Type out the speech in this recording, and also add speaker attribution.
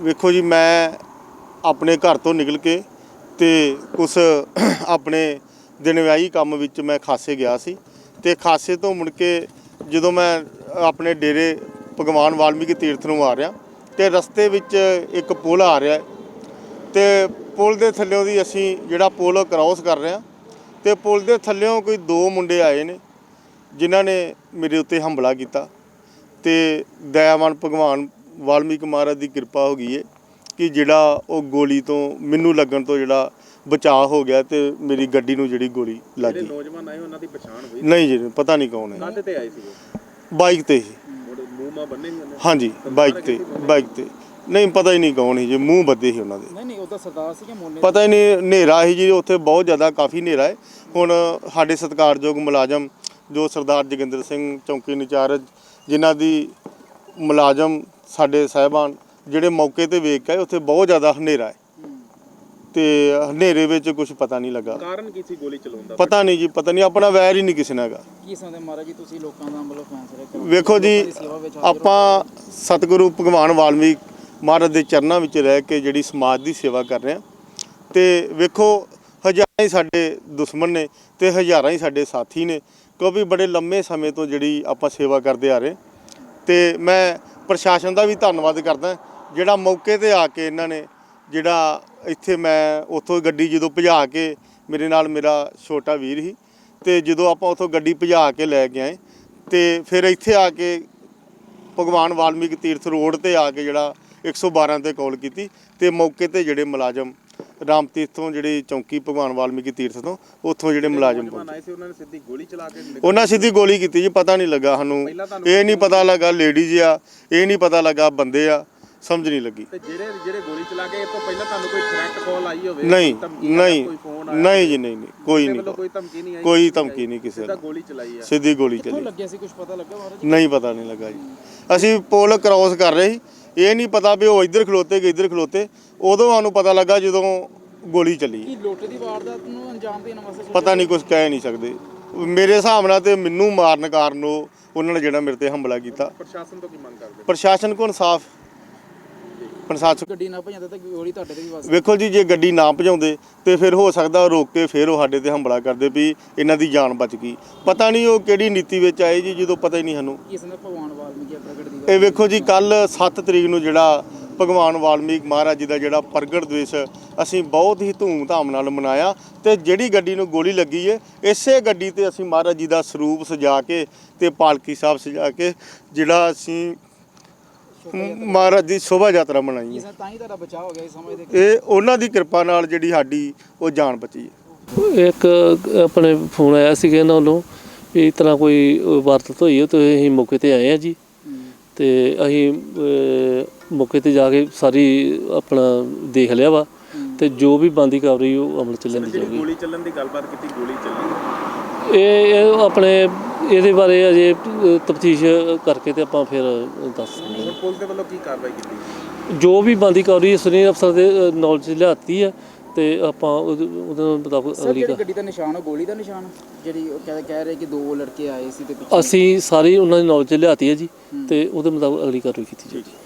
Speaker 1: ਵੇਖੋ ਜੀ, मैं अपने घर तो निकल के ते कुछ अपने दिन विआही काम विच मैं खासे गया सी ते खासे तो मुड़ के जदों मैं अपने डेरे भगवान वाल्मीकि तीर्थ नूं आ रहा ते रस्ते विच एक पुल आ रहा है ते पुल दे थल्लों दी असीं जिहड़ा पुल क्रॉस कर रहे हैं ते पुल दे थल्लों कोई दो मुंडे आए ने जिन्हां ने मेरे उत्ते हमला किया ते दयावान भगवान वाल्मीकि महाराज की किरपा हो गई है कि जिहड़ा वो गोली तो मैनू लगन तो जिहड़ा बचाव हो गया तो मेरी गड्डी नूं जिहड़ी गोली लग गई।
Speaker 2: नौजवान आए उन्हां दी पहचान हुई
Speaker 1: नहीं जी, पता नहीं कौन है।
Speaker 2: काहदे ते आए सी?
Speaker 1: बाइक ते ही।
Speaker 2: मूंह मां बन्ने ही?
Speaker 1: हाँ जी, बाइक ते नहीं, पता ही नहीं कौन ही जी, मूँह बद्दे ही उन्हां दे।
Speaker 2: नहीं ओदा सरदार सी कि मोने?
Speaker 1: पता ही नहीं, हनेरा ही जी उत्थे, बहुत ज़्यादा काफ़ी हनेरा है। हुण साडे सत्कारयोग मुलाजम जो सरदार जोगिंदर सिंह चौंकी इंचार्ज जिन्हां दी मुलाजम साडे साहिबान ਜਿਹੜੇ मौके ਤੇ ਵੇਖ ਕੇ ਉੱਥੇ ਬਹੁਤ ਜ਼ਿਆਦਾ ਹਨੇਰਾ ਹੈ ਤੇ ਹਨੇਰੇ ਵਿੱਚ ਕੁਝ ਪਤਾ ਨਹੀਂ ਲੱਗਾ।
Speaker 2: ਕਾਰਨ ਕੀ ਸੀ ਗੋਲੀ ਚਲਾਉਣ ਦਾ?
Speaker 1: ਪਤਾ ਨਹੀਂ ਜੀ, ਪਤਾ ਨਹੀਂ, ਆਪਣਾ ਵੈਰ ਹੀ ਨਹੀਂ ਕਿਸੇ ਨਾਲ ਹੈਗਾ।
Speaker 2: ਕੀ ਸਮਝਦੇ ਮਹਾਰਾਜ ਜੀ ਤੁਸੀਂ ਲੋਕਾਂ ਦਾ ਮਤਲਬ ਫੈਸਲਾ ਕਰੋ?
Speaker 1: ਵੇਖੋ ਜੀ, ਆਪਾਂ ਸਤਿਗੁਰੂ ਭਗਵਾਨ ਵਾਲਮੀਕ ਮਹਾਰਾਜ ਦੇ ਚਰਨਾਂ ਵਿੱਚ ਰਹਿ ਕੇ ਜਿਹੜੀ ਸਮਾਜ ਦੀ ਸੇਵਾ ਕਰ ਰਹੇ ਹਾਂ ਤੇ ਵੇਖੋ ਹਜ਼ਾਰਾਂ ਹੀ ਸਾਡੇ ਦੁਸ਼ਮਣ ਨੇ ਤੇ ਹਜ਼ਾਰਾਂ ਹੀ ਸਾਡੇ ਸਾਥੀ ਨੇ, ਕਿਉਂਕਿ ਬੜੇ ਲੰਮੇ ਸਮੇਂ ਤੋਂ ਜਿਹੜੀ ਆਪਾਂ ਸੇਵਾ ਕਰਦੇ ਆ ਰਹੇ ਤੇ ਮੈਂ ਪ੍ਰਸ਼ਾਸਨ ਦਾ ਵੀ ਧੰਨਵਾਦ ਕਰਦਾ ਜਿਹੜਾ ਮੌਕੇ ਤੇ ਆ ਕੇ ਇਹਨਾਂ ਨੇ ਜਿਹੜਾ ਇੱਥੇ ਮੈਂ ਉੱਥੋਂ ਗੱਡੀ ਜਦੋਂ ਭਜਾ ਕੇ ਮੇਰੇ ਨਾਲ ਮੇਰਾ ਛੋਟਾ ਵੀਰ ਸੀ ਤੇ ਜਦੋਂ ਆਪਾਂ ਉੱਥੋਂ ਗੱਡੀ ਭਜਾ ਕੇ ਲੈ ਕੇ ਆਏ ਤੇ ਫਿਰ ਇੱਥੇ ਆ ਕੇ ਭਗਵਾਨ ਵਾਲਮੀਕ ਤੀਰਥ ਰੋਡ ਤੇ ਆ ਕੇ ਜਿਹੜਾ 112 ਤੇ ਕਾਲ ਕੀਤੀ ਤੇ ਮੌਕੇ ਤੇ ਜਿਹੜੇ ਮੁਲਾਜ਼ਮ ਰਾਮ ਤੀਰਥ ਤੋਂ ਜਿਹੜੀ ਚੌਂਕੀ ਭਗਵਾਨ ਵਾਲਮੀਕੀ ਤੀਰਥ ਤੋਂ ਉੱਥੋਂ ਜਿਹੜੇ ਮੁਲਾਜ਼ਮ
Speaker 2: ਆਏ ਸੀ ਉਹਨਾਂ ਨੇ ਸਿੱਧੀ ਗੋਲੀ ਚਲਾ ਕੇ
Speaker 1: ਉਹਨਾਂ ਸਿੱਧੀ ਗੋਲੀ ਕੀਤੀ ਜੀ। ਪਤਾ ਨਹੀਂ ਲੱਗਾ ਸਾਨੂੰ, ਇਹ ਨਹੀਂ ਪਤਾ ਲੱਗਾ ਲੇਡੀਜ਼ ਆ, ਇਹ ਨਹੀਂ ਪਤਾ ਲੱਗਾ ਬੰਦੇ ਆ, ਸਮਝ ਨਹੀਂ ਲੱਗੀ।
Speaker 2: ਤੇ ਜਿਹੜੇ ਗੋਲੀ ਚਲਾ ਕੇ ਇਹ ਤੋਂ ਪਹਿਲਾਂ ਤੁਹਾਨੂੰ ਕੋਈ ਥ੍ਰੈਟ ਕਾਲ ਆਈ ਹੋਵੇ?
Speaker 1: ਨਹੀਂ ਨਹੀਂ ਜੀ, ਨਹੀਂ ਕੋਈ ਨਹੀਂ,
Speaker 2: ਕੋਈ ਧਮਕੀ ਨਹੀਂ ਆਈ?
Speaker 1: ਕੋਈ ਧਮਕੀ ਨਹੀਂ ਕਿਸੇ
Speaker 2: ਸਿੱਧਾ ਗੋਲੀ ਚਲਾਈ ਆ?
Speaker 1: ਸਿੱਧੀ ਗੋਲੀ
Speaker 2: ਕਿੱਥੋਂ
Speaker 1: ਚੱਲੀ।
Speaker 2: ਲੱਗਿਆ ਸੀ ਕੁਝ ਪਤਾ ਲੱਗਾ ਮਹਾਰਾਜ?
Speaker 1: ਨਹੀਂ, ਪਤਾ ਨਹੀਂ ਲੱਗਾ ਜੀ। ਅਸੀਂ ਪੁਲ ਕ੍ਰਾਸ ਕਰ ਰਹੇ ਸੀ, ਇਹ ਨਹੀਂ ਪਤਾ ਵੀ ਉਹ ਇੱਧਰ ਖਲੋਤੇ ਕਿ ਇੱਧਰ ਖਲੋਤੇ, ਉਦੋਂ ਸਾਨੂੰ ਪਤਾ ਲੱਗਾ ਜਦੋਂ ਗੋਲੀ ਚੱਲੀ।
Speaker 2: ਕੀ ਲੋਟੇ ਦੀ ਵਾਰਦਾਤ ਨੂੰ ਅੰਜਾਮ ਦੇਣ ਵਾਸਤੇ?
Speaker 1: ਪਤਾ ਨਹੀਂ, ਕੁਝ ਕਹਿ ਨਹੀਂ ਸਕਦੇ। ਮੇਰੇ ਹਿਸਾਬ ਨਾਲ ਤੇ ਮੈਨੂੰ ਮਾਰਨ ਕਾਰਨ ਉਹਨਾਂ ਨੇ ਜਿਹੜਾ ਮੇਰੇ ਤੇ ਹਮਲਾ ਕੀਤਾ।
Speaker 2: ਪ੍ਰਸ਼ਾਸਨ ਤੋਂ ਕੀ ਮੰਗ ਕਰਦੇ?
Speaker 1: ਪ੍ਰਸ਼ਾਸਨ ਕੋਲ ਇਨਸਾਫ, ਪ੍ਰਸ਼ਾਸਨ
Speaker 2: ਗੱਡੀ ਨਾ ਭਜਾਉਂਦਾ ਤਾਂ ਗੋਲੀ ਤੁਹਾਡੇ ਤੇ ਵੀ ਵੱਜ?
Speaker 1: ਵੇਖੋ ਜੀ, ਜੇ ਗੱਡੀ ਨਾ ਭਜਾਉਂਦੇ ਤੇ ਫਿਰ ਹੋ ਸਕਦਾ ਰੋਕ ਕੇ ਫਿਰ ਉਹ ਸਾਡੇ ਤੇ ਹਮਲਾ ਕਰਦੇ ਵੀ ਇਹਨਾਂ ਦੀ ਜਾਨ ਬਚ ਗਈ। ਪਤਾ ਨਹੀਂ ਉਹ ਕਿਹੜੀ ਨੀਤੀ ਵਿੱਚ ਆਏ ਜੀ, ਜਦੋਂ ਪਤਾ ਹੀ ਨਹੀਂ ਸਾਨੂੰ।
Speaker 2: ਕਿਸ ਨੇ ਭਗਵਾਨ ਵਾਲਮੀਕੀ ਪ੍ਰਗਟ ਦੀ?
Speaker 1: ਇਹ ਵੇਖੋ ਜੀ, ਕੱਲ 7 ਤਰੀਕ ਨੂੰ ਜਿਹੜਾ ਭਗਵਾਨ ਵਾਲਮੀਕ ਮਹਾਰਾਜ ਜੀ ਦਾ ਜਿਹੜਾ ਪ੍ਰਗਟ ਦਿਵਸ ਅਸੀਂ ਬਹੁਤ ਹੀ ਧੂਮ-ਧਾਮ ਨਾਲ ਮਨਾਇਆ ਤੇ ਜਿਹੜੀ ਗੱਡੀ ਨੂੰ ਗੋਲੀ ਲੱਗੀ ਹੈ ਇਸੇ ਗੱਡੀ ਤੇ ਅਸੀਂ ਮਹਾਰਾਜ ਜੀ ਦਾ ਸਰੂਪ ਸਜਾ ਕੇ ਤੇ ਪਾਲਕੀ ਸਾਹਿਬ ਸਜਾ ਕੇ ਜਿਹੜਾ ਅਸੀਂ ਮਹਾਰਾਜ ਦੀ ਸ਼ੋਭਾ ਯਾਤਰਾ ਮਨਾਈ ਹੈ।
Speaker 2: ਤਾਂ ਹੀ ਤੁਹਾਡਾ ਬਚਾਅ ਹੋ ਗਿਆ ਇਸ ਸਮੇਂ ਦੇ?
Speaker 1: ਇਹ ਉਹਨਾਂ ਦੀ ਕਿਰਪਾ ਨਾਲ ਜਿਹੜੀ ਸਾਡੀ ਉਹ ਜਾਨ ਬਚੀ ਹੈ।
Speaker 3: ਇੱਕ ਆਪਣੇ ਫੋਨ ਆਇਆ ਸੀਗਾ ਇਹਨਾਂ ਵੱਲੋਂ ਵੀ ਇਸ ਤਰ੍ਹਾਂ ਕੋਈ ਵਾਰਦਾਤ ਹੋਈ ਹੈ ਤੇ ਅਸੀਂ ਮੌਕੇ ਤੇ ਆਏ ਹਾਂ ਜੀ ਤੇ ਅਸੀਂ ਮੌਕੇ ਤੇ ਜਾ ਕੇ ਸਾਰੀ ਆਪਣਾ ਦੇਖ ਲਿਆ ਵਾ ਤੇ ਜੋ ਵੀ ਬਣਦੀ ਕਾਰਵਾਈ ਉਹ ਅਮਲ ਚ ਲਿਆਂਦੀ ਜਾਊਗੀ।
Speaker 2: ਗੋਲੀ ਚੱਲਣ ਦੀ ਗੱਲਬਾਤ ਕੀਤੀ, ਗੋਲੀ ਚੱਲੀ
Speaker 3: ਇਹ ਆਪਣੇ ਇਹਦੇ ਬਾਰੇ ਅਜੇ ਤਫਤੀਸ਼ ਕਰਕੇ ਤੇ ਆਪਾਂ ਫਿਰ ਦੱਸ ਸਕਦੇ ਹਾਂ।
Speaker 2: ਪੁਲਿਸ ਦੇ ਵੱਲੋਂ ਕੀ ਕਾਰਵਾਈ ਕੀਤੀ?
Speaker 3: ਜੋ ਵੀ ਬਣਦੀ ਕਾਰਵਾਈ ਸੀਨੀਅਰ ਅਫਸਰ ਦੇ ਨੌਲੇਜ ਲਿਆਤੀ ਹੈ ਤੇ ਆਪਾਂ ਉਹਦੇ ਮੁਤਾਬਕ ਅਗਲੀ
Speaker 2: ਗੱਡੀ ਦਾ ਨਿਸ਼ਾਨ ਉਹ ਗੋਲੀ ਦਾ ਨਿਸ਼ਾਨ ਜਿਹੜੀ ਉਹ ਕਹਿ ਰਹੇ ਕਿ ਦੋ ਲੜਕੇ ਆਏ ਸੀ ਤੇ ਪਿੱਛੇ
Speaker 3: ਅਸੀਂ ਸਾਰੀ ਉਹਨਾਂ ਦੀ ਨੌਲੇਜ ਲਿਆਤੀ ਹੈ ਜੀ ਤੇ ਉਹਦੇ ਮੁਤਾਬਕ ਅਗਲੀ ਕਾਰਵਾਈ ਕੀਤੀ ਜਾਏਗੀ।